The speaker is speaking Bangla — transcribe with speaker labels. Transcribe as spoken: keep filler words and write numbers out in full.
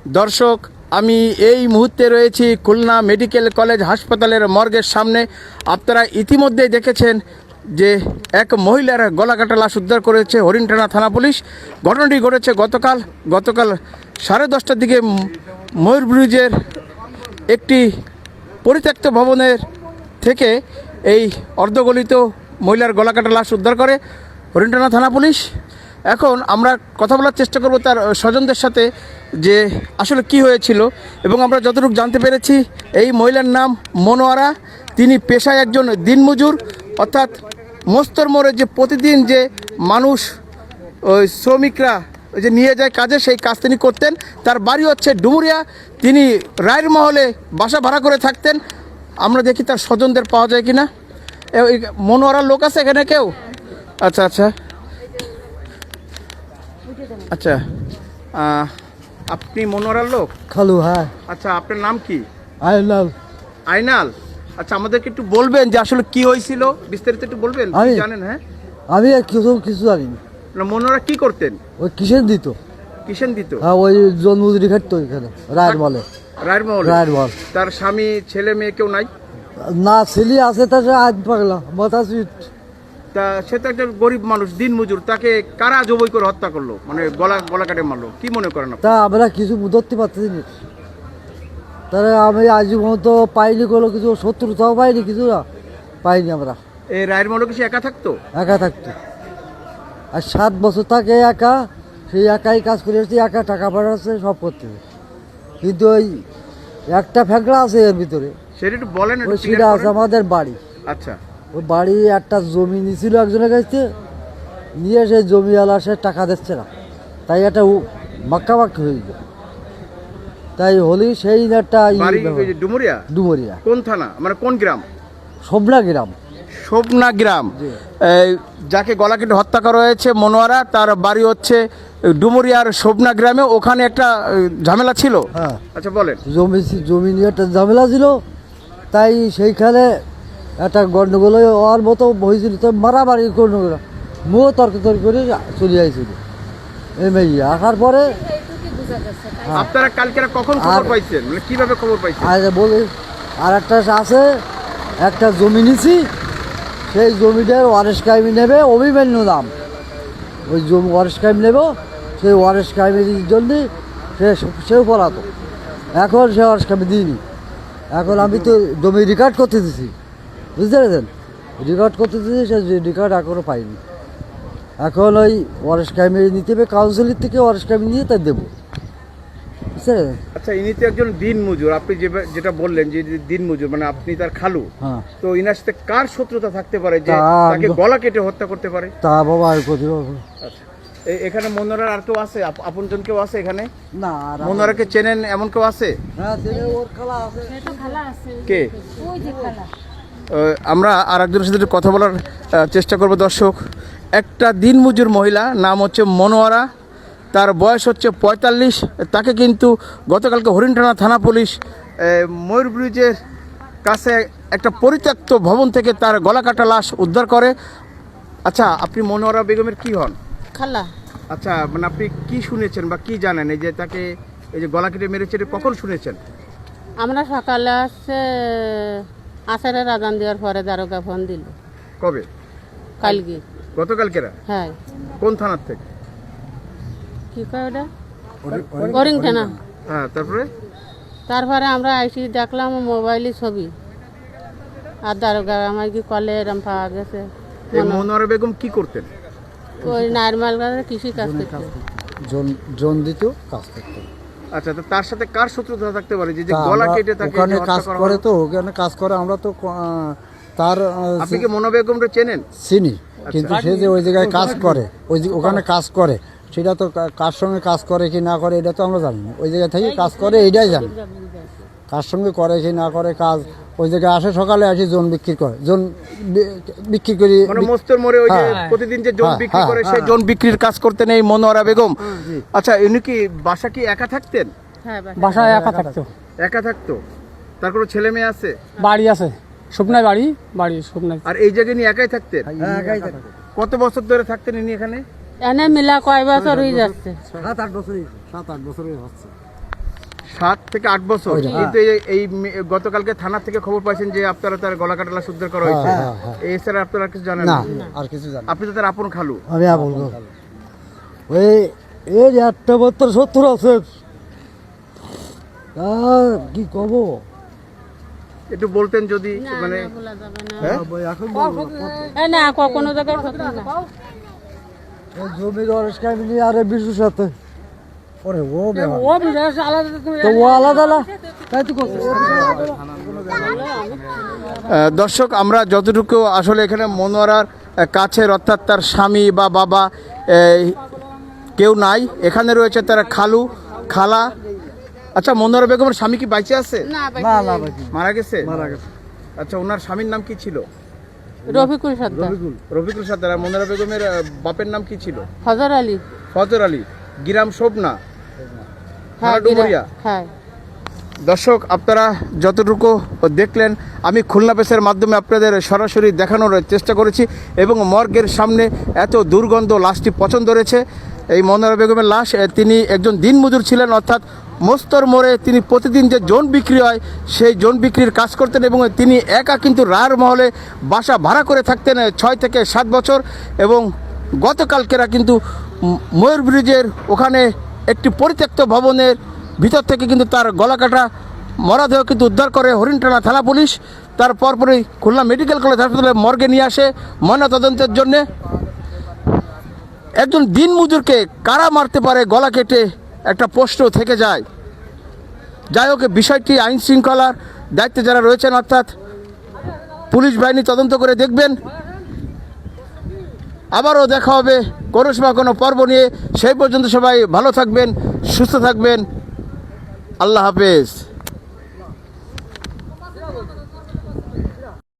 Speaker 1: দর্শক, আমি এই মুহূর্তে রয়েছি খুলনা মেডিকেল কলেজ হাসপাতালের মর্গের সামনে। আপনারা ইতিমধ্যেই দেখেছেন যে এক মহিলার গলাকাটা লাশ উদ্ধার করেছে হরিণটানা থানা পুলিশ। ঘটনাটি ঘটেছে গতকাল গতকাল সাড়ে দশটার দিকে ময়ূর ব্রিজের একটি পরিত্যক্ত ভবনের থেকে এই অর্ধগলিত মহিলার গলাকাটা লাশ উদ্ধার করে হরিণটানা থানা পুলিশ। এখন আমরা কথা বলার চেষ্টা করব তার স্বজনদের সাথে যে আসলে কি হয়েছিল, এবং আমরা যতটুকু জানতে পেরেছি এই মহিলার নাম মনোয়ারা। তিনি পেশায় একজন দিনমজুর, অর্থাৎ মস্তর মোড়ে যে প্রতিদিন যে মানুষ ওই শ্রমিকরা ওই যে নিয়ে যায় কাজে, সেই কাজ তিনি করতেন। তার বাড়ি হচ্ছে ডুমুরিয়া। তিনি রায়ের মহলে বাসা ভাড়া করে থাকতেন। আমরা দেখি তার স্বজনদের পাওয়া যায় কিনা। মনোয়ারার লোক আছে এখানে কেউ? আচ্ছা আচ্ছা আচ্ছা আপনি মনোয়ারার লোক?
Speaker 2: খালু, হ্যাঁ।
Speaker 1: আচ্ছা, আপনার নাম কি?
Speaker 2: আইনাল।
Speaker 1: আইনাল, আচ্ছা আমাদেরকে একটু বলবেন যে আসলে কি হয়েছিল, বিস্তারিত একটু বলবেন?
Speaker 2: আমি
Speaker 1: জানেন? হ্যাঁ,
Speaker 2: আমি কিছু কিছু জানি না।
Speaker 1: না, মনোয়ারা কি করতেন?
Speaker 2: ওই কিসের দিত?
Speaker 1: কিসেন দিত?
Speaker 2: হ্যাঁ, ওই জন্মদিন খাটতো এখানে রায়ের বলে।
Speaker 1: রায়ের মহলে?
Speaker 2: রায়ের বল।
Speaker 1: তার স্বামী, ছেলে মেয়ে কেউ নাই?
Speaker 2: না, ছেলে আছে, তার আজ পাগলা মাথা সুইট।
Speaker 1: তা সে তো একটা গরিব মানুষ, দিন মজুর, তাকে কারা জবই করে হত্যা করলো, মানে গলা গলা কাটে মারলো, কি মনে করেন আপনি?
Speaker 2: তা আমরা কিছু ধরতে পারতেছি না। তাহলে আমি আজ পর্যন্ত পাইনি কোনো কিছু, শত্রুতাও পাইনি, কিছু না পাইনি আমরা।
Speaker 1: এই রায়ের মহলে কি সে একা থাকতো?
Speaker 2: একা থাকতো, আর সাত বছর থাকে একা। সেই একাই কাজ করে আসছে, একা টাকা পাঠাচ্ছে, সব করতেছে। কিন্তু ওই একটা ফ্যাকড়া আছে এর ভিতরে,
Speaker 1: সেটা একটু বলেন।
Speaker 2: ওই সেটা আছে আমাদের বাড়ি।
Speaker 1: আচ্ছা,
Speaker 2: ওই বাড়ি একটা জমি নিয়েছিল একজনের কাছে, নিয়ে সেই জমিওয়ালা সে টাকা দিচ্ছে না, তাই একটা মাক্কামাক্কি হয়ে গেল। তাই হলি সেই একটা
Speaker 1: বাড়ি ডুমুরিয়া?
Speaker 2: ডুমুরিয়া।
Speaker 1: কোন থানা, মানে কোন গ্রাম?
Speaker 2: শোভনা গ্রাম।
Speaker 1: শোভনা গ্রাম। এই যাকে গলা কেটে হত্যা করা হয়েছে মনোয়ারা, তার বাড়ি হচ্ছে ডুমুরিয়ার শোভনা গ্রামে। ওখানে একটা ঝামেলা ছিল।
Speaker 2: হ্যাঁ,
Speaker 1: আচ্ছা বলেন।
Speaker 2: জমি জমি নিয়ে একটা ঝামেলা ছিল, তাই সেইখানে একটা গন্ডগোল হওয়ার মতো হয়েছিল। তো মারামারি কোনো মুও তর্ক তর্ক করে চলে আইছিল এই মেয়ে। আসার পরে
Speaker 1: আপনারা কালকে কখন খবর পাইছেন, মানে কিভাবে খবর পাইছেন?
Speaker 2: আর বলি আর একটা আছে, একটা জমি নিছি, সেই জমিটার ওয়ারেস কায়েমি নেবে, অভিমান্য দাম। ওই জমি ওয়ারেস কায়েমি নেব, সেই ওয়ারেস কায়েমির জন্য সে সেও পড়াতো। এখন সে ওয়ারেস কায়েমি দিইনি। এখন আমি তো জমি রেকর্ড করতে দিছি, বুঝতে পেরেছেন? রেকর্ড করতে দিয়েছি, সে রেকর্ড এখনও পাইনি। এখন ওই ওয়ারেস কায়েমি নিতে হবে কাউন্সিলের থেকে, ওয়ারেস কায়েমি নিয়ে তাই দেবো, বুঝতে পেরেছেন?
Speaker 1: আচ্ছা, ইনি তো একজন দিন মজুর, আপনি যেটা বললেন যে দিন মজুর, মানে আপনি তার খালু।
Speaker 2: হ্যাঁ।
Speaker 1: তো ইনার সাথে কার শত্রুতা থাকতে পারে যে তাকে গলা কেটে হত্যা করতে পারে?
Speaker 2: তা বাবা আর কোথায় পাবো?
Speaker 1: আচ্ছা, এখানে মনোয়ারার আর কেউ আছে, আপনজন কেউ আছে এখানে?
Speaker 2: না,
Speaker 1: মনোয়ারাকে চেনেন এমন কেউ আছে?
Speaker 2: হ্যাঁ, ওর খালা আছে।
Speaker 1: কে? আমরা আর একজনের সাথে কথা বলার চেষ্টা করব। দর্শক, একটা দিনমজুর মহিলা, নাম হচ্ছে মনোয়ারা, তার বয়স হচ্ছে পঁয়তাল্লিশ। তাকে কিন্তু গতকালকে হরিণটানা থানা পুলিশ ময়ূর ব্রিজের কাছে একটা পরিত্যক্ত ভবন থেকে তার গলা কাটা লাশ উদ্ধার করে। আচ্ছা, আপনি মনোয়ারা বেগমের কি হন?
Speaker 3: খালা।
Speaker 1: আচ্ছা, মানে আপনি কি শুনেছেন বা কি জানেন এই যে তাকে এই যে গলা কেটে মেরেছে, এটা কখন শুনেছেন?
Speaker 3: আমরা সকালে আসছে আসারের আজান দেওয়ার পরে দারোগা ফোন দিল।
Speaker 1: কবে?
Speaker 3: কালকে।
Speaker 1: গতকালকেরা?
Speaker 3: হ্যাঁ।
Speaker 1: কোন থানার থেকে?
Speaker 3: কি কয় ওটা? হরিণ থানা।
Speaker 1: হ্যাঁ, তারপরে?
Speaker 3: তারপরে আমরা আইসি দেখলাম মোবাইলে ছবি, আর দারোগা আমার কি কলে এরম পাওয়া গেছে।
Speaker 1: এই মনোয়ারা বেগম কি করতেন?
Speaker 3: ওই নারমাল গাছের কৃষি কাজ করতেন।
Speaker 2: জন দিত, কাজ করতেন।
Speaker 1: আচ্ছা, তো তার সাথে কার শত্রুতা থাকতে পারে যে গলা কেটে তাকে
Speaker 2: ওখানে কাজ করে? তো ওখানে কাজ করে, আমরা তো তার।
Speaker 1: আপনি কি মনো বেগমকে চেনেন?
Speaker 2: চিনি, কিন্তু সে যে ওই জায়গায় কাজ করে, ওই ওখানে কাজ করে, সেটা তো কার সঙ্গে কাজ করে কি না করে এটা তো আমরা জানি না। ওই জায়গা থেকে কাজ করে এইটাই জানি, কার সঙ্গে করে কি না করে কাজ। ওই জায়গায় আসে, সকালে আসি জন বিক্রি করে, জন বিক্রি করি,
Speaker 1: মানে মস্তর মোড়ে ওই যে প্রতিদিন যে জন বিক্রি করে, সেই জন বিক্রির কাজ করতেন এই মনোয়ারা বেগম। আচ্ছা, ইনি কি বাসা কি একা থাকতেন?
Speaker 3: হ্যাঁ,
Speaker 4: বাসায় একা থাকতো।
Speaker 1: একা থাকতো? তার কোনো ছেলে মেয়ে আছে?
Speaker 4: বাড়ি আছে, শুকনায় বাড়ি, বাড়ি শুকনায়।
Speaker 1: আর এই জায়গায় নিয়ে একাই থাকতেন?
Speaker 2: একাই থাকতো।
Speaker 1: কত বছর ধরে থাকতেন ইনি এখানে?
Speaker 3: এনে মিলা কয় বছর হয়ে যাচ্ছে?
Speaker 2: সাত আট বছরই সাত আট বছরই হচ্ছে।
Speaker 1: সাত থেকে আট বছর
Speaker 2: ওই যে, হ্যাঁ।
Speaker 1: কিন্তু এই- এই মে- গতকালকে থানা থেকে খবর পাইছেন যে আপনারা তার গলা কাটা লাশ উদ্ধার করা হয়েছে
Speaker 2: হ্যাঁ, হ্যাঁ।
Speaker 1: এই স্যার আপনারা কিছু জানেন
Speaker 2: না
Speaker 1: না
Speaker 2: আর কিছু জানি
Speaker 1: আপনি তো তার আপন খালু
Speaker 2: আমি আর বলবো ওই এর একটা বত্তর সত্তর আছে আর কি কব
Speaker 1: একটু বলতেন যদি
Speaker 3: না,
Speaker 1: মানে
Speaker 3: না, বলা যাবে না।
Speaker 1: হ্যাঁ
Speaker 2: এখন বলবো না।
Speaker 3: এই না ক- কোনো জায়গায় সত্যি না।
Speaker 2: এই জমির অরেশ কাহিনী আর এই বিশুর সাথে ওরে ও বেমান।
Speaker 4: ও বিদেশ আলাদা তুমি
Speaker 2: তো ও আলাদা আলাদা তাই তো করছে
Speaker 1: আহ, দর্শক আমরা যতটুকু আসলে এখানে মনোয়ারার আহ, কাছের অর্থাৎ তার স্বামী বা বাবা এই, কেউ নাই এখানে রয়েছে তার খালু খালা আচ্ছা মনোয়ারা বেগমের স্বামী কি বাইচে আছে
Speaker 3: না, ভাই,
Speaker 2: না না বাকি
Speaker 1: মারা গেছে
Speaker 2: মারা গেছে
Speaker 1: আচ্ছা ওনার স্বামীর নাম কি ছিল
Speaker 3: রফিকুল সর্দার,
Speaker 1: রফিকুল সাদ্দার আর মনোয়ারা বেগমের আহ, বাপের নাম কি ছিল
Speaker 3: হজর আলী,
Speaker 1: ফজর আলী গিরাম শোভনা
Speaker 3: হ্যাঁ,
Speaker 1: থানা ডুমুরিয়া।
Speaker 3: হ্যাঁ।
Speaker 1: দর্শক আপনারা যতটুকু দেখলেন আমি খুলনা প্রেসের মাধ্যমে আপনাদের সরাসরি দেখানোর চেষ্টা করেছি এবং মর্গের সামনে এত দুর্গন্ধ লাশটি পছন্দ রয়েছে এই মনোয়ারা বেগমের লাশ এ, তিনি একজন দিনমজুর ছিলেন অর্থাৎ মস্তর মোড়ে তিনি প্রতিদিন যে জোন বিক্রি হয় সেই জোন বিক্রির কাজ করতেন এবং তিনি একা কিন্তু রায়ের মহলে বাসা ভাড়া করে থাকতেন এ, ছয় থেকে সাত বছর এবং গতকালকেরা কিন্তু ম- ময়ূর ব্রিজের ওখানে একটি পরিত্যক্ত ভবনের ভিতর থেকে কিন্তু তার গলা কাটা মরদেহ কিন্তু উদ্ধার করে হরিণটানা থানা পুলিশ তার পরপরই খুলনা মেডিকেল কলেজ হাসপাতালে মর্গে নিয়ে আসে ময়নাতদন্তের জন্যে একজন দিনমজুরকে কারা মারতে পারে গলা কেটে একটা প্রশ্ন থেকে যায় যাই হোক বিষয়টি আইন শৃঙ্খলার দায়িত্বে যারা রয়েছেন অর্থাৎ পুলিশ বাহিনী তদন্ত করে দেখবেন আবারও দেখা হবে কোনো সময় কোনো পর্ব নিয়ে সেই পর্যন্ত সবাই ভালো থাকবেন সুস্থ থাকবেন আল্লাহ হাফেজ